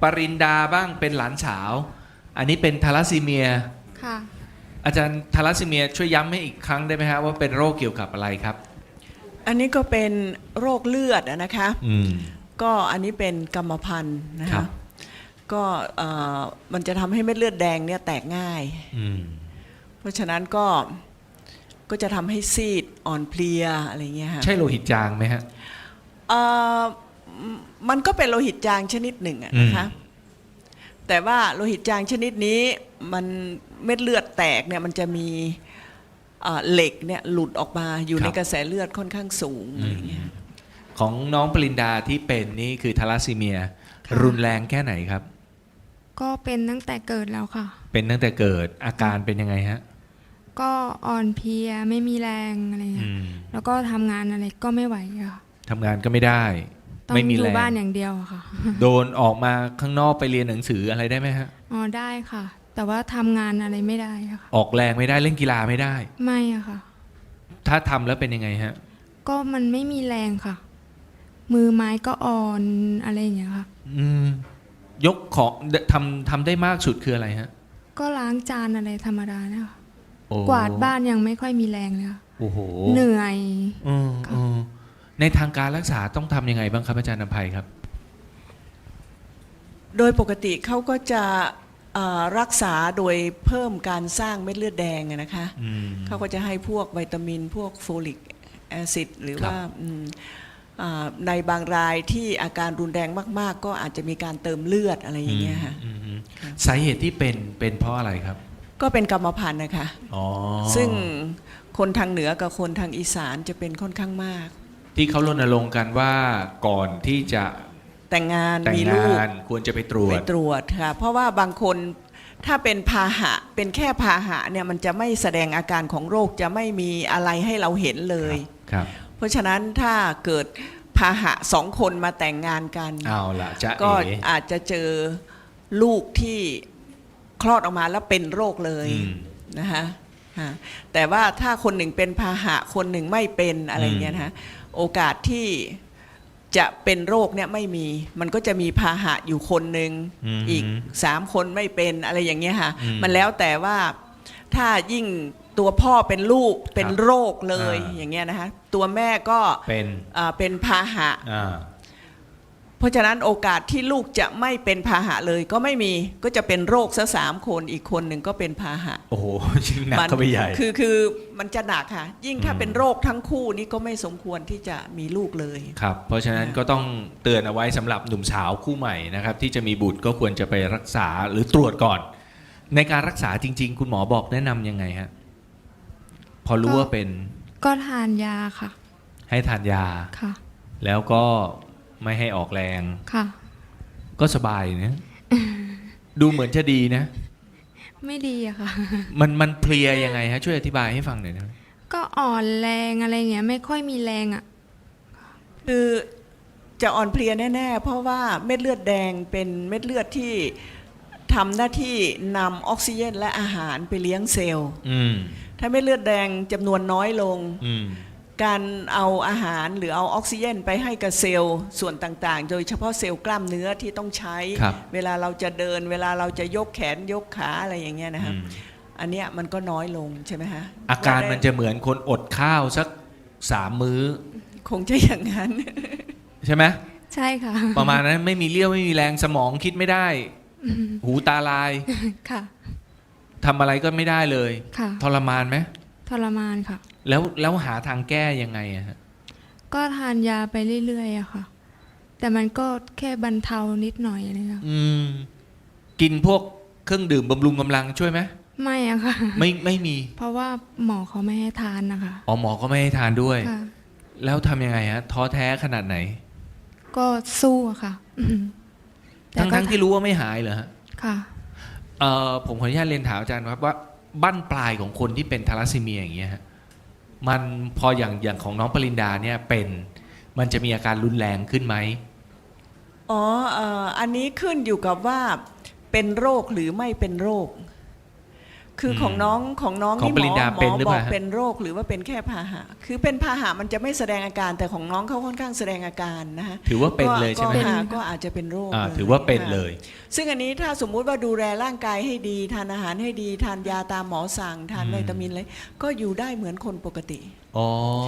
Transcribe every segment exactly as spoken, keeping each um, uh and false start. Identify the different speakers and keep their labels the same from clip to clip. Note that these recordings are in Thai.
Speaker 1: ปรินดาบ้างเป็นหลานสาวอันนี้เป็นทาลัสซีเมีย
Speaker 2: ค่ะ
Speaker 1: อาจารย์ทาลัสซีเมียช่วยย้ำให้อีกครั้งได้ไหมฮะว่าเป็นโรคเกี่ยวกับอะไรครับ
Speaker 3: อันนี้ก็เป็นโรคเลือดอะนะคะ
Speaker 1: อืม
Speaker 3: ก็อันนี้เป็นกรรมพันธุ์นะ
Speaker 1: ครั
Speaker 3: คะ
Speaker 1: บ
Speaker 3: ก็เอ่อมันจะทำให้เม็ดเลือดแดงเนี่ยแตกง่าย
Speaker 1: อืม
Speaker 3: เพราะฉะนั้นก็ก็จะทำให้ซีดอ่อนเพลียอะไรเงี้ยค่ะ
Speaker 1: ใช่โลหิตจางไหมฮะ
Speaker 3: เอ่อมันก็เป็นโลหิตจางชนิดหนึ่งอะนะคะ แต่ว่าโลหิตจางชนิดนี้มันเม็ดเลือดแตกเนี่ยมันจะมีเอ่อเหล็กเนี่ยหลุดออกมาอยู่
Speaker 1: ครับ
Speaker 3: ในกระแสเลือดค่อนข้างสูงอะไรเงี้ย
Speaker 1: ของน้องปรินดาที่เป็นนี่คือทาลัสซีเมีย
Speaker 2: ค่ะ
Speaker 1: รุนแรงแค่ไหนครับ
Speaker 2: ก็เป็นตั้งแต่เกิดแล้วค่ะ
Speaker 1: เป็นตั้งแต่เกิดอาการเป็นยังไงฮะ
Speaker 2: ก็อ่อนเพลียไม่มีแรงอะไรเงี้
Speaker 1: อื
Speaker 2: ย
Speaker 1: ม
Speaker 2: แล้วก็ทำงานอะไรก็ไม่ไหวอะค่ะ
Speaker 1: ทำงานก็ไม่ได้
Speaker 2: ต้อง
Speaker 1: ไม่มี
Speaker 2: อ
Speaker 1: แร
Speaker 2: ยู่
Speaker 1: ง
Speaker 2: บ้านอย่างเดียวอะค่ะ
Speaker 1: โดนออกมาข้างนอกไปเรียนหนังสืออะไรได้ไหมฮะ
Speaker 2: อ๋อได้ค่ะ แต่ว่าทำงานอะไรไม่ได้อะค่ะ
Speaker 1: ออกแรงไม่ได้เล่นกีฬาไม่ได้
Speaker 2: ไม่อะค่ะ
Speaker 1: ถ้าทำแล้วเป็นยังไงฮะ
Speaker 2: ก็มันไม่มีแรงค่ะ มือไม้ก็อ่อนอะไรอย่างเงี้ยค่ะ
Speaker 1: อืม ยกของทำทำได้มากสุดคืออะไรฮะ
Speaker 2: ก็ล้างจานอะไรธรรมดาเนี่ยค่ะ
Speaker 1: โอ้
Speaker 2: กวาดบ้านยังไม่ค่อยมีแรงเลยค่ะ
Speaker 1: โอ้โห
Speaker 2: เหนื่อย
Speaker 1: อืมอืมในทางการรักษาต้องทำยังไงบ้างครับอาจารย์นภัยครับ
Speaker 3: โดยปกติเขาก็จะเอ่อรักษาโดยเพิ่มการสร้างเม็ดเลือดแดงอะนะคะ
Speaker 1: อืม
Speaker 3: เขาก็จะให้พวกวิตามินพวกโฟลิกแอซิดหรือ
Speaker 1: ครับ
Speaker 3: ว่าอืมอ่าในบางรายที่อาการรุนแรงมาก ๆ ก็อาจจะมีการเติมเลือดอะไรอย่างเงี้ยค่ะ
Speaker 1: อืมอืมสาเหตุที่เป็นเป็นเพราะอะไรครับ
Speaker 3: ก็เป็นกรรมพันธุ์นะคะ
Speaker 1: อ๋อ
Speaker 3: ซึ่งคนทางเหนือกับคนทางอีสานจะเป็นค่อนข้างมาก
Speaker 1: ที่เขารณรงค์กันว่าก่อนที่จะ
Speaker 3: แต่งงาน
Speaker 1: แต่ง
Speaker 3: มีลูก
Speaker 1: งานควรจะไปตรว
Speaker 3: ไป
Speaker 1: จ
Speaker 3: ตรวจค่ะเพราะว่าบางคนถ้าเป็นพาหะเป็นแค่พาหะเนี่ยมันจะไม่แสดงอาการของโรคจะไม่มีอะไรให้เราเห็นเลย
Speaker 1: ครับ
Speaker 3: เพราะฉะนั้นถ้าเกิดพาหะสองคนมาแต่งงานกัน
Speaker 1: เอาละจะ
Speaker 3: ก็
Speaker 1: เอ๋
Speaker 3: อาจจะเจอลูกที่คลอดออกมาแล้วเป็นโรคเลย
Speaker 1: อืม
Speaker 3: นะคะฮะแต่ว่าถ้าคนหนึ่งเป็นพาหะคนหนึ่งไม่เป็นอะไรเงี้ยนะคะโอกาสที่จะเป็นโรคเนี่ยไม่มี มันก็จะมีพาหะอยู่คนหนึ่ง
Speaker 1: ม
Speaker 3: อีกสามคนไม่เป็นอะไรอย่างเงี้ยค่ะ
Speaker 1: อืม
Speaker 3: มันแล้วแต่ว่าถ้ายิ่งตัวพ่อเป็นลูกเป็นโรคเลย
Speaker 1: อ่า
Speaker 3: อย่างเงี้ยนะคะตัวแม่ก็
Speaker 1: เป็น
Speaker 3: อ่าเป็นพาหะ
Speaker 1: อ่า
Speaker 3: เพราะฉะนั้นโอกาสที่ลูกจะไม่เป็นพาหะเลยก็ไม่มีก็จะเป็นโรคซะสามคนอีกคนหนึ่งก็เป็นพาหะ
Speaker 1: โอ้โหยิ่งหนัก
Speaker 3: มั
Speaker 1: เข้าไปใหญ่
Speaker 3: คือคือมันจะหนักค่ะ ยิ่งถ้า
Speaker 1: อืม
Speaker 3: เป็นโรคทั้งคู่นี่ก็ไม่สมควรที่จะมีลูกเลย
Speaker 1: ครับ เพราะฉะนั้นก็ต้องเตือนเอาไว้สำหรับหนุ่มสาวคู่ใหม่นะครับ ที่จะมีบุตรก็ควรจะไปรักษาหรือตรวจก่อน ในการรักษาจริง ๆ คุณหมอบอกแนะนำยังไงฮะพอรู้
Speaker 2: ก็
Speaker 1: ว่าเป็น
Speaker 2: ก็ทานยาค่ะ
Speaker 1: ให้ทานยา
Speaker 2: ค่ะ
Speaker 1: แล้วก็ไม่ให้ออกแรง
Speaker 2: ค่ะ
Speaker 1: ก็สบายนะ ดูเหมือนจะดีนะ
Speaker 2: ไม่ดีอะค่ะ
Speaker 1: มันมันเพลียยังไงฮะช่วยอธิบายให้ฟังหน่อยนะ
Speaker 2: ก็อ่อนแรงอะไรเงี้ยไม่ค่อยมีแรงอะ
Speaker 3: คือจะอ่อนเพลียแน่ๆ เพราะว่าเม็ดเลือดแดงเป็นเม็ดเลือดที่ทำหน้าที่นำออกซิเจนและอาหารไปเลี้ยงเซลล์
Speaker 1: อืม
Speaker 3: ถ้าเม็ดเลือดแดงจำนวนน้อยลง
Speaker 1: อืม
Speaker 3: การเอาอาหารหรือเอาออกซิเจนไปให้กับเซลล์ส่วนต่างๆ โดยเฉพาะเซลล์กล้ามเนื้อที่ต้องใช้
Speaker 1: ครับ
Speaker 3: เวลาเราจะเดิน เวลาเราจะยกแขนยกขาอะไรอย่างเงี้ยนะครับ
Speaker 1: อืม
Speaker 3: อันเนี้ยมันก็น้อยลงใช่ไหมฮะ
Speaker 1: อาการมันจะเหมือนคนอดข้าวสักสามมื้อ
Speaker 3: คงจะอย่างนั้น
Speaker 1: ใช่ไหม
Speaker 2: ใช่ค่ะ
Speaker 1: ประมาณนั้นไม่มีเลี้ยวไม่มีแรงสมองคิดไม่ได้ หูตาลาย
Speaker 2: ค่ะ
Speaker 1: ทำอะไรก็ไม่ได้เลย
Speaker 2: ค่ะ
Speaker 1: ทรมานไหม
Speaker 2: ทรมานค่ะ
Speaker 1: แล้วแล้วหาทางแก้ยังไงอะฮะ
Speaker 2: ก็ทานยาไปเรื่อยๆอะค่ะ แต่มันก็แค่บรรเทานิดหน่อยอะไรเงี้ย
Speaker 1: อืม กินพวกเครื่องดื่มบำรุงกำลังช่วยไหม
Speaker 2: ไม่อะค่ะ
Speaker 1: ไม่ไม่มี
Speaker 2: เพราะว่าหมอเขาไม่ให้ทานนะคะ
Speaker 1: อ๋อหมอก็ไม่ให้ทานด้วย
Speaker 2: ค่ะ
Speaker 1: แล้วทำยังไงฮะท้อแท้ขนาดไหน
Speaker 2: ก็สู้อะค่ะอืมแต่
Speaker 1: ทั้ง
Speaker 2: ก็
Speaker 1: ทั้งที่รู้ว่าไม่หายเหรอฮะ
Speaker 2: ค่ะ
Speaker 1: เอ่อผมขออนุญาตเรียนถามอาจารย์ครับว่าบั้นปลายของคนที่เป็นทาลัสซีเมียอย่างเงี้ยฮะมันพออย่างอย่างของน้องปรินดาเนี่ยเป็นมันจะมีอาการรุนแรงขึ้นไหม
Speaker 3: อ๋อเอ่ออันนี้ขึ้นอยู่กับว่าเป็นโรคหรือไม่เป็นโรคคือของ
Speaker 1: อืม
Speaker 3: น้องของน้อง
Speaker 1: ของ
Speaker 3: นี่
Speaker 1: ป
Speaker 3: หม
Speaker 1: ริ
Speaker 3: อ
Speaker 1: ญญา
Speaker 3: หม
Speaker 1: เป็น
Speaker 3: อ
Speaker 1: หรือ
Speaker 3: บอก
Speaker 1: เปล่าฮะ
Speaker 3: เป็นโรคหรือว่าเป็นแค่พาหะคือเป็นพาหะมันจะไม่แสดงอาการแต่ของน้องเขาค่อนข้างแสดงอาการนะฮะ
Speaker 1: ถือว่าเป็นเลยใช่ไหม
Speaker 3: ก็
Speaker 2: เป็น
Speaker 3: หาก็อาจจะเป็นโรค
Speaker 1: อ่า
Speaker 3: ลย
Speaker 1: ถือว่าเป็น
Speaker 3: ค่ะ
Speaker 1: เลย
Speaker 3: ซึ่งอันนี้ถ้าสมมุติว่าดูแลร่างกายให้ดีทานอาหารให้ดีทานยาตามหมอสั่งทาน
Speaker 1: อืม
Speaker 3: วิตามินอะไรก็อยู่ได้เหมือนคนปกติ
Speaker 1: อ๋อย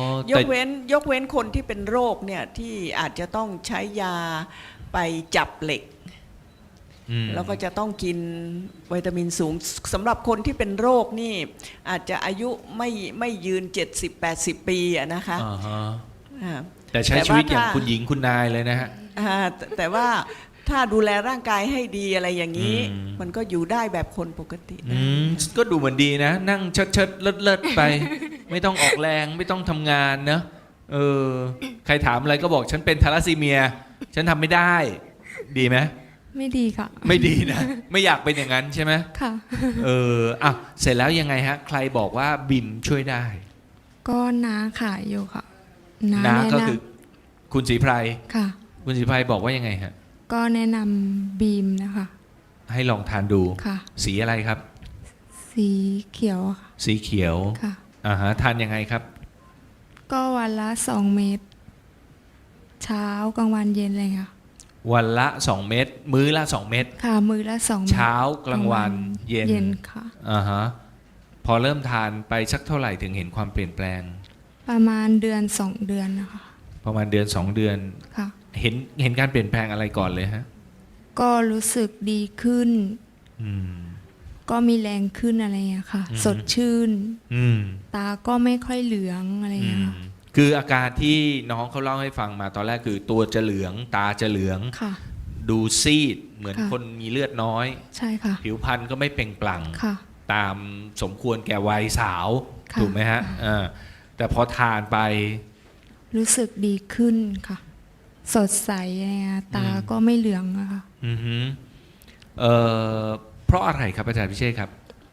Speaker 1: แต่
Speaker 3: กเว้นยกเว้นคนที่เป็นโรคเนี่ยที่อาจจะต้องใช้ยาไปจับเหล็ก
Speaker 1: อืม
Speaker 3: แล้วก็จะต้องกินวิตามินสูงสำหรับคนที่เป็นโรคนี่อาจจะอายุไม่ไม่ยืน เจ็ดสิบแปดสิบ ปีอะนะคะ
Speaker 1: อ่าฮะ
Speaker 3: อ่า
Speaker 1: แต่ใช้
Speaker 3: แต่
Speaker 1: ชีวิต
Speaker 3: ว่า
Speaker 1: อย่าง
Speaker 3: ถ้า
Speaker 1: คุณหญิงคุณนายเลยนะฮะ
Speaker 3: อ่าแต่แต่ว่าถ้าดูแลร่างกายให้ดีอะไรอย่างนี้
Speaker 1: อืม
Speaker 3: มันก็อยู่ได้แบบคนปกติ
Speaker 1: อื
Speaker 3: ได้
Speaker 1: มก็ดูเหมือนดีนะ นั่งเชิดเชิดเลิศเลิศไป ไม่ต้องออกแรงไม่ต้องทำงานเนอะเออ ใครถามอะไรก็บอกฉันเป็นทาลัสซีเมีย ฉันทำไม่ได้ ดีไหม
Speaker 2: ไม่ดีค่ะ
Speaker 1: ไม่ดีนะ ไม่อยากเป็นอย่างนั้นใช่ไหม
Speaker 2: ค่ะ
Speaker 1: เอออ่ะเสร็จแล้วยังไงฮะ ใครบอกว่าบิมช่วยได้
Speaker 2: ก็น้าขายอยู่ค่ะ
Speaker 1: นะ
Speaker 2: แนะ
Speaker 1: ก็
Speaker 2: น
Speaker 1: คือคุณศรีไพร
Speaker 2: ำค่ะ
Speaker 1: คุณศรีไพรบอกว่ายังไงฮะ
Speaker 2: ก็แนะนำบีมนะคะ
Speaker 1: ให้ลองทานดู
Speaker 2: ค่ะ
Speaker 1: สีอะไรครับ
Speaker 2: สีเขียวอะค่ะ
Speaker 1: สีเขียว
Speaker 2: ค่ะ
Speaker 1: อ่าฮะทานยังไงครับ
Speaker 2: ก็วันละสองเม็ดเช้ากลางวันเย็นเลยค่ะ
Speaker 1: วันละสองเม็ดมื้อละสองเม็ด
Speaker 2: ค่ะมือละสองม็ด
Speaker 1: เช้ากลางวันเย็น
Speaker 2: เย็นค่ะ
Speaker 1: อ่าฮะพอเริ่มทานไปสักเท่าไหร่ถึงเห็นความเปลี่ยนแปลง
Speaker 2: ประมาณเดือนสองเดือนนะคะ
Speaker 1: ประมาณเดือนสองเดือน
Speaker 2: ค่ะ
Speaker 1: เห็นเห็นการเปลี่ยนแปลงอะไรก่อนเลยฮะ
Speaker 2: ก็รู้สึกดีขึ้น
Speaker 1: อืม
Speaker 2: ก็มีแรงขึ้นอะไรอย่างเงี้ยค่ะ
Speaker 1: อืม
Speaker 2: สดชื่น
Speaker 1: อืม
Speaker 2: ตาก็ไม่ค่อยเหลืองอะไรอย่าง
Speaker 1: อื
Speaker 2: เงี้ย
Speaker 1: ม
Speaker 2: ค่ะ
Speaker 1: คืออาการที่น้องเขาเล่าให้ฟังมาตอนแรกคือตัวจะเหลือง ตาจะเหลือง
Speaker 2: ค่ะ
Speaker 1: ดูซีด เหมือน
Speaker 2: ค่ะ
Speaker 1: คนมีเลือดน้อย
Speaker 2: ใช่ค่ะ
Speaker 1: ผิวพรรณก็ไม่เปล่งปลั่ง
Speaker 2: ค่ะ
Speaker 1: ตามสมควรแก่วัยสาว
Speaker 2: ค่ะ
Speaker 1: ถูกไหมฮะอ่าแต่พอทานไป
Speaker 2: รู้สึกดีขึ้นค่ะ สดใสอะไรเงี้ยตา
Speaker 1: อืม
Speaker 2: ก็ไม่เหลืองอะค่ะ
Speaker 1: อือฮึเอ่อเพราะอะไรครับอาจารย์พิเชษครับ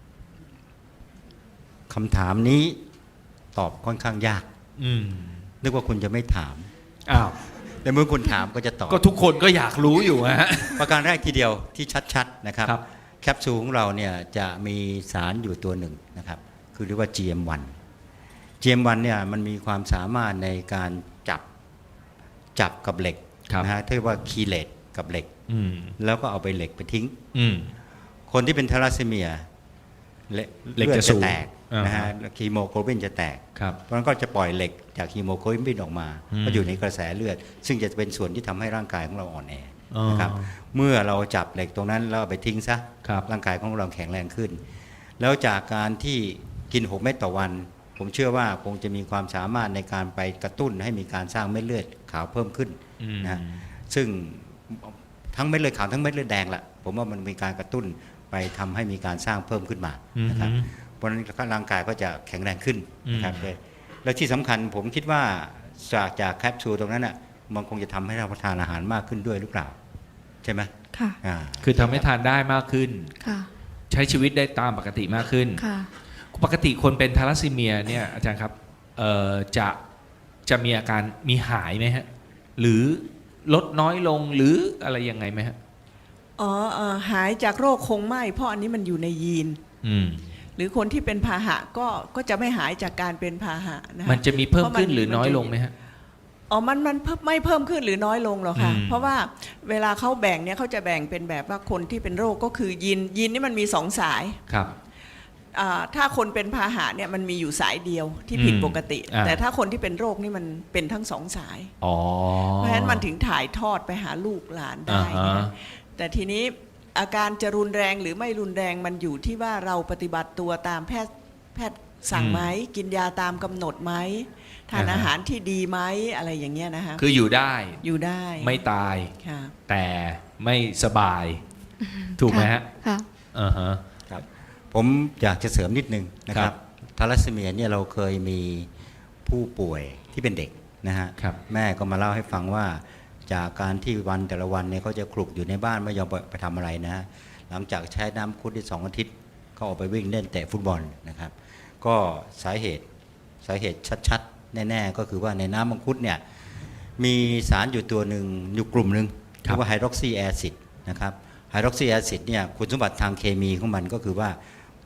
Speaker 4: คำถามนี้ตอบค่อนข้างยาก
Speaker 1: อืม
Speaker 4: นึกว่าคุณจะไม่ถาม
Speaker 1: อ้าว
Speaker 4: แต่เมื่อคุณถามก็จะตอบ
Speaker 1: ก็ทุกคนก็อยากรู้อยู่ฮะ
Speaker 4: ประการแรกทีเดียวที่ชัดๆนะครับ
Speaker 1: ครับ
Speaker 4: แคปซูลของเราเนี่ยจะมีสารอยู่ตัวหนึ่งนะครับ คือเรียกว่า จี เอ็ม วัน จี เอ็ม วัน เนี่ยมันมีความสามารถในการจับจับกับเหล็ก
Speaker 1: ครับ
Speaker 4: นะฮะที่เรียกว่าคีเลตกับเหล็ก
Speaker 1: อืม
Speaker 4: แล้วก็เอาไปเหล็กไปทิ้ง
Speaker 1: อืม
Speaker 4: คนที่เป็นทาลัสซีเมียเลือด
Speaker 1: เหล็กจะ
Speaker 4: จะ
Speaker 1: สูง
Speaker 4: แตกนะฮะ
Speaker 1: อ่าฮะ
Speaker 4: คีโมโกลบินจะแตก
Speaker 1: ครับ
Speaker 4: เพราะฉะนั้นก็จะปล่อยเหล็กจากฮีโมโกลบินออกมา
Speaker 1: อืม
Speaker 4: ก็อยู่ในกระแสเลือด ซึ่งจะเป็นส่วนที่ทำให้ร่างกายของเราอ่อนแอ
Speaker 1: อ๋อ
Speaker 4: นะครับเมื่อเราจับเหล็กตรงนั้นแล้วเอาไปทิ้งซะ
Speaker 1: ครับ
Speaker 4: ร่างกายของเราแข็งแรงขึ้น แล้วจากการที่กินหกเม็ดต่อวัน ผมเชื่อว่าคงจะมีความสามารถในการไปกระตุ้นให้มีการสร้างเม็ดเลือดขาวเพิ่มขึ้น
Speaker 1: อืม
Speaker 4: นะซึ่งทั้งเม็ดเลือดขาวทั้งเม็ดเลือดแดงละผมว่ามันมีการกระตุ้นไปทำให้มีการสร้างเพิ่มขึ้นมานะครับ
Speaker 1: อืม
Speaker 4: เพราะฉะนั้นร่างกายก็จะแข็งแรงขึ้นนะครับ
Speaker 1: อืม
Speaker 4: เลยและที่สำคัญผมคิดว่าจากจากแคปซูลตรงนั้นอ่ะมันคงจะทำให้เราทานอาหารมากขึ้นด้วยหรือเปล่า ใช่ไหม
Speaker 2: ค่ะ
Speaker 4: อ่า
Speaker 1: คือทำให้ทานได้มากขึ้น
Speaker 2: ค่ะ
Speaker 1: ใช้ชีวิตได้ตามปกติมากขึ้น
Speaker 2: ค่ะ
Speaker 1: ปกติคนเป็นทาลัสซีเมียเนี่ยอาจารย์ครับเอ่อจะจะมีอาการมีหายไหมฮะ หรือลดน้อยลงหรืออะไรยังไงไหมฮะ
Speaker 3: อ๋อเอ่อหายจากโรคคงไม่เพราะอันนี้มันอยู่ในยีน
Speaker 1: อืม
Speaker 3: หรือคนที่เป็นพาหะก็ก็จะไม่หายจากการเป็นพาหะนะคะ
Speaker 1: มันจะมีเพิ่ม
Speaker 3: พราะ
Speaker 1: ขึ้นหรือน้อย
Speaker 3: จะ
Speaker 1: ลงไหมฮะ
Speaker 3: อ๋อมันมันเพิ่มไม่เพิ่มขึ้นหรือน้อยลงหรอกค่ะ
Speaker 1: อืม
Speaker 3: เพราะว่าเวลาเขาแบ่งเนี่ยเขาจะแบ่งเป็นแบบว่าคนที่เป็นโรคก็คือยีนยีนนี่มันมีสองสาย
Speaker 1: ครับ
Speaker 3: อ่าถ้าคนเป็นพาหะเนี่ยมันมีอยู่สายเดียวที่ผิด
Speaker 1: อืม
Speaker 3: ปกติ
Speaker 1: อ่า
Speaker 3: แต่ถ้าคนที่เป็นโรคนี่มันเป็นทั้งสองสาย
Speaker 1: อ๋อ
Speaker 3: เพราะฉะนั้นมันถึงถ่ายทอดไปหาลูกหลานได้
Speaker 1: อ่า
Speaker 3: นะ
Speaker 1: ฮะ
Speaker 3: คะแต่ทีนี้อาการจะรุนแรงหรือไม่รุนแรงมันอยู่ที่ว่าเราปฏิบัติตัวตามแพทย์แพทย์สั่งไหมกินยาตามกำหนดไหมทานอาหารที่ดีไหมอะไรอย่างเงี้ยนะคะ
Speaker 1: คืออยู่ได้
Speaker 3: อยู่ได้
Speaker 1: ไม่ตาย
Speaker 3: ค่ะ
Speaker 1: แต่ไม่สบาย ถูกไหมฮะ
Speaker 2: ค่ะ
Speaker 1: อ่าฮะ
Speaker 4: ครับผมอยากจะเสริมนิดนึงนะค
Speaker 1: ครั
Speaker 4: รั
Speaker 1: บบ
Speaker 4: ทาลัสซีเมียเนี่ยเราเคยมีผู้ป่วยที่เป็นเด็กนะฮะ
Speaker 1: ครับ
Speaker 4: แม่ก็มาเล่าให้ฟังว่าจากการที่วันแต่ละวันเนี่ยเขาจะคลุกอยู่ในบ้านไม่ยอมไปไปทำอะไรนะฮะหลังจากใช้น้ำคุดได้สองอาทิตย์เขาออกไปวิ่งเล่นเตะฟุตบอลนะครับ ก็สาเหตุสาเหตุชัดๆ แน่ๆ ก็คือว่าในน้ำมังคุดเนี่ยมีสารอยู่ตัวหนึ่งอยู่กลุ่มหนึ่ง
Speaker 1: ครั
Speaker 4: เรี
Speaker 1: บ
Speaker 4: ยกว่าไฮดรอกซีแอซิดนะครับไฮดรอกซีแอซิดเนี่ยคุณสมบัติทางเคมีของมันก็คือว่า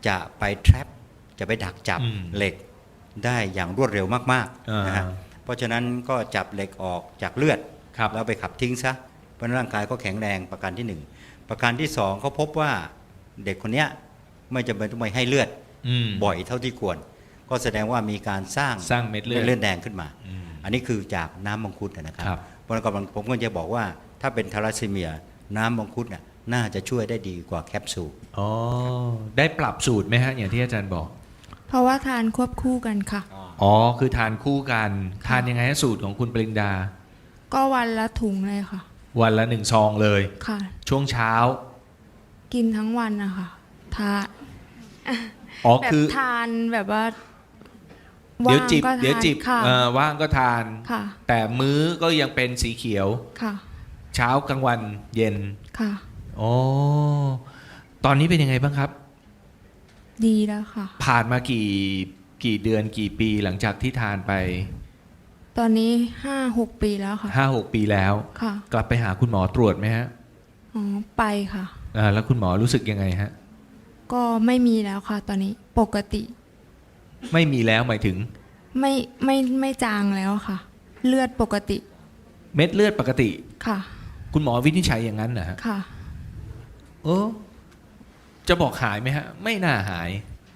Speaker 4: จะไป trap จะไปดักจับ
Speaker 1: อืม
Speaker 4: เหล็กได้อย่างรวดเร็วมาก
Speaker 1: อ่า
Speaker 4: ๆนะฮะเพราะฉะนั้นก็จับเหล็กออกจากเลือด
Speaker 1: ครับ
Speaker 4: แล้วไปขับทิ้งซะเพราะฉะนั้นร่างกายก็แข็งแรงประการที่หนึ่งประการที่สองเขาพบว่าเด็กคนเนี้ยไม่จำเป็นต้องไปให้เลือด
Speaker 1: อืม
Speaker 4: บ่อยเท่าที่ควร ก็แสดงว่ามีการสร้าง
Speaker 1: สร้างเม็ดเลือด
Speaker 4: เลือดแดงขึ้นมา
Speaker 1: อืม
Speaker 4: อันนี้คือจากน้ำมังคุดนะครับ
Speaker 1: ครับ
Speaker 4: เพราะฉะนั้นผมก็จะบอกว่าถ้าเป็นทาลัสซีเมียน้ำมังคุดน่ะน่าจะช่วยได้ดีกว่าแคปซูล
Speaker 1: อ๋อได้ปรับสูตรไหมฮะอย่างที่อาจารย์บอก
Speaker 2: เพราะว่าทานควบคู่กันค่ะ
Speaker 1: อ๋อคือทานคู่กันทานยังไงฮะสูตรของคุณปริงดา
Speaker 2: ก็วันละถุงเลยค่ะ
Speaker 1: วันละหนึ่งซองเลย
Speaker 2: ค่ะ
Speaker 1: ช่วงเช้า
Speaker 2: กินทั้งวันนะคะทาน
Speaker 1: อ๋อ
Speaker 2: แบบ
Speaker 1: คือ
Speaker 2: ทานแบบว่า
Speaker 1: เดี๋ยวจิบ
Speaker 2: างก็ทาน
Speaker 1: เดี๋ยวจิบ
Speaker 2: ค่ะ
Speaker 1: เอ่อว่างก็ทาน
Speaker 2: ค่ะ
Speaker 1: แต่มื้อก็ยังเป็นสีเขียว
Speaker 2: ค่ะ
Speaker 1: เช้ากลางวันเย็น
Speaker 2: ค่ะ
Speaker 1: อ๋อตอนนี้เป็นยังไงบ้างครับ
Speaker 2: ดีแล้วค่ะ
Speaker 1: ผ่านมากี่กี่เดือนกี่ปีหลังจากที่ทานไป
Speaker 2: ตอนนี้ห้าหกปีแล้วค่ะ
Speaker 1: ห้าหกปีแล้ว
Speaker 2: ค่ะ
Speaker 1: กลับไปหาคุณหมอตรวจไหมฮะ
Speaker 2: อ๋อไปค่ะ
Speaker 1: อ่าแล้วคุณหมอรู้สึกยังไงฮะ
Speaker 2: ก็ไม่มีแล้วค่ะ ตอนนี้ปกติ
Speaker 1: ไม่มีแล้วหมายถึง
Speaker 2: ไม่ไม่ไม่จางแล้วค่ะ เลือดปกติ
Speaker 1: เม็ดเลือดปกติ
Speaker 2: ค่ะ
Speaker 1: คุณหมอวินิจฉัยอย่างนั้นนะฮะ
Speaker 2: ค่ะ
Speaker 1: เออจะบอกหายไหมฮะ ไม่น่าหาย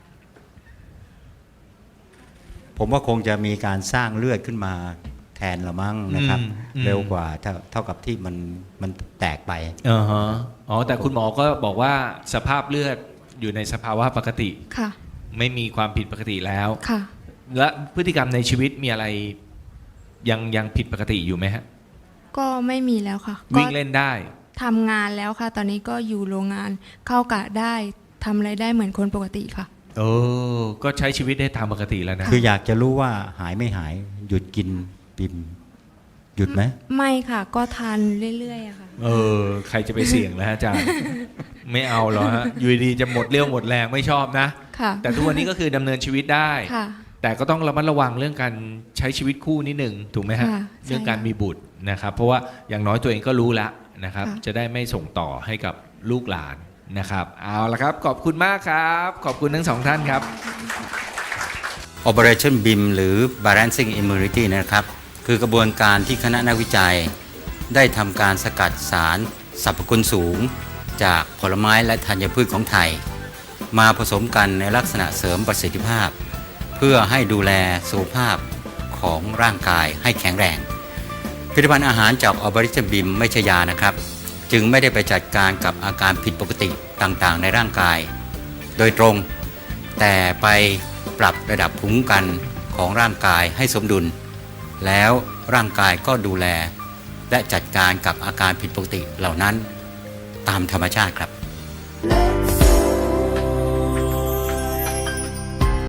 Speaker 4: ผมว่าคงจะมีการสร้างเลือดขึ้นมาแทนละมั้งนะครับ
Speaker 1: อืมอืม
Speaker 4: เร็วกว่าเท่าเท่ากับที่มันมันแตกไป
Speaker 1: อ่าฮะอ๋อแต่คุณหมอก็บอกว่าสภาพเลือดอยู่ในสภาวะปกติ
Speaker 2: ค่ะ
Speaker 1: ไม่มีความผิดปกติแล้ว
Speaker 2: ค่ะ
Speaker 1: และพฤติกรรมในชีวิตมีอะไรยังยังผิดปกติอยู่ไหมฮะ
Speaker 2: ก็ไม่มีแล้วค่ะ
Speaker 1: วิ่ง
Speaker 2: ก็
Speaker 1: เล่นได้
Speaker 2: ทำงานแล้วค่ะ ตอนนี้ก็อยู่โรงงานเข้ากะได้ทำอะไรได้เหมือนคนปกติค่ะ
Speaker 1: โอ้ก็ใช้ชีวิตได้ตามปกติแล้วนะ
Speaker 4: คืออยากจะรู้ว่าหายไม่หายหยุดกินบิมหยุดไหม
Speaker 2: ไม่ค่ะ ก็ทานเรื่อยๆอะค่ะ
Speaker 1: เออ ใครจะไปเสี่ยงแล้วฮะอาจารย์ ไม่เอาหรอฮะอยู่ดีๆจะหมดเรี่ยวหมดแรงไม่ชอบนะ
Speaker 2: ค่ะ
Speaker 1: แต่ทุกวันนี้ก็คือดำเนินชีวิตได้
Speaker 2: ค่ะ
Speaker 1: แต่ก็ต้องระมัดระวังเรื่องการใช้ชีวิตคู่นิดหนึ่งถูกไหมฮะ
Speaker 2: ค่ะ
Speaker 1: เรื่อง
Speaker 2: ใช่
Speaker 1: การมีบุตรนะครับ เพราะว่าอย่างน้อยตัวเองก็รู้ละนะครับ
Speaker 2: ค่ะ
Speaker 1: จะได้ไม่ส่งต่อให้กับลูกหลานนะครับ เอาละครับ ขอบคุณมากครับ ขอบคุณทั้งสองท่านครับ
Speaker 4: Operationบี ไอ เอ็ม หรือ Balancing Immunity นะครับ คือกระบวนการที่คณะนักวิจัย ได้ทำการสกัดสารสรรพคุณสูง จากผลไม้และธัญพืชของไทย มาผสมกันในลักษณะเสริมประสิทธิภาพ เพื่อให้ดูแลสุขภาพของร่างกายให้แข็งแรง ผลิตภัณฑ์อาหารจาก Operationบี ไอ เอ็ม ไม่ใช่ยานะครับ จึงไม่ได้ไปจัดการกับอาการผิดปกติต่างๆ ในร่างกาย โดยตรง แต่ไปปรับระดับภูมิคุ้มกันของร่างกายให้สมดุล แล้วร่างกายก็ดูแล และจัดการกับอาการผิดปกติเหล่านั้นตามธรรมชาติครับ
Speaker 2: Love